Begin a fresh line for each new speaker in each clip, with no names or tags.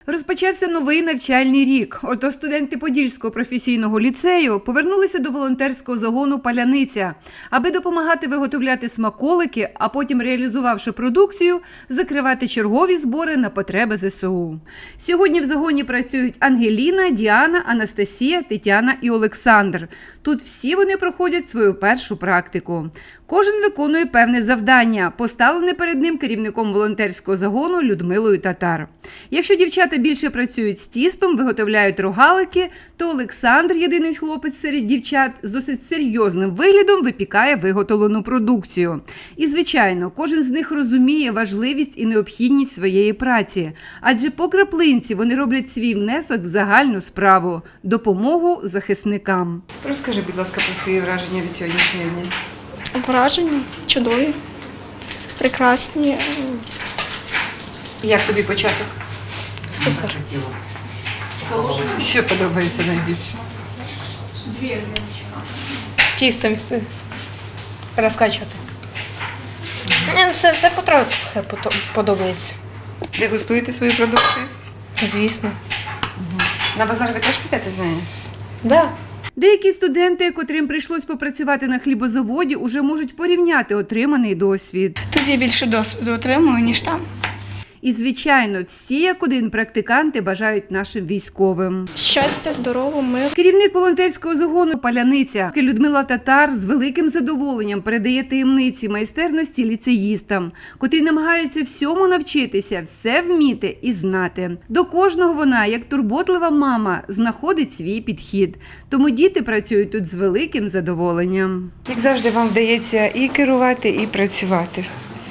Розпочався новий навчальний рік. Отож студенти Подільського професійного ліцею повернулися до волонтерського загону «Паляниця», аби допомагати виготовляти смаколики, а потім, реалізувавши продукцію, закривати чергові збори на потреби ЗСУ. Сьогодні в загоні працюють Ангеліна, Діана, Анастасія, Тетяна і Олександр. Тут всі вони проходять свою першу практику. Кожен виконує певне завдання, поставлене перед ним керівником волонтерського загону Людмилою Татар. Якщо дівчата більше працюють з тістом, виготовляють рогалики, то Олександр, єдиний хлопець серед дівчат, з досить серйозним виглядом випікає виготовлену продукцію. І, звичайно, кожен з них розуміє важливість і необхідність своєї праці, адже по краплинці вони роблять свій внесок в загальну справу – допомогу захисникам. Розкажи, будь ласка, про свої враження від сьогоднішнього дня.
Враження чудові, прекрасні.
Як тобі початок?
Супер.
Що подобається найбільше?
Тісто місце розкачувати. Мені все потрохи подобається.
Дегустуєте свої продукти?
Звісно.
На базар ви теж підете з нею?
Да.
Деякі студенти, котрим прийшлось попрацювати на хлібозаводі, уже можуть порівняти отриманий досвід.
Тут я більше досвіду отримую, ніж там.
І, звичайно, всі як один практиканти бажають нашим військовим.
Щастя, здорово, мир.
Керівник волонтерського загону «Паляниця» Людмила Татар з великим задоволенням передає таємниці майстерності ліцеїстам, котрі намагаються всьому навчитися, все вміти і знати. До кожного вона, як турботлива мама, знаходить свій підхід. Тому діти працюють тут з великим задоволенням. Як завжди, вам вдається і керувати, і працювати.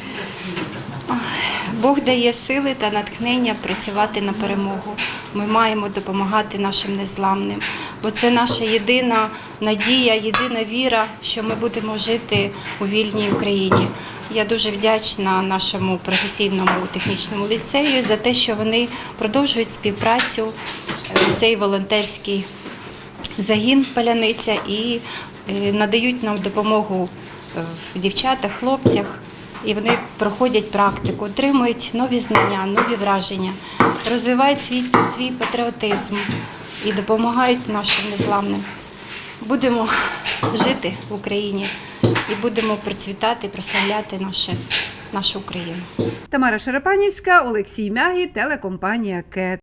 Бог дає сили та натхнення працювати на перемогу. Ми маємо допомагати нашим незламним, бо це наша єдина надія, єдина віра, що ми будемо жити у вільній Україні. Я дуже вдячна нашому професійному технічному ліцею за те, що вони продовжують співпрацю, цей волонтерський загін «Паляниця» і надають нам допомогу в дівчатах, хлопцях. І вони проходять практику, отримують нові знання, нові враження, розвивають свій патріотизм і допомагають нашим незламним. Будемо жити в Україні і будемо процвітати, прославляти нашу Україну.
Тамара Шарапанівська, Олексій Мягі, телекомпанія «КЕТ».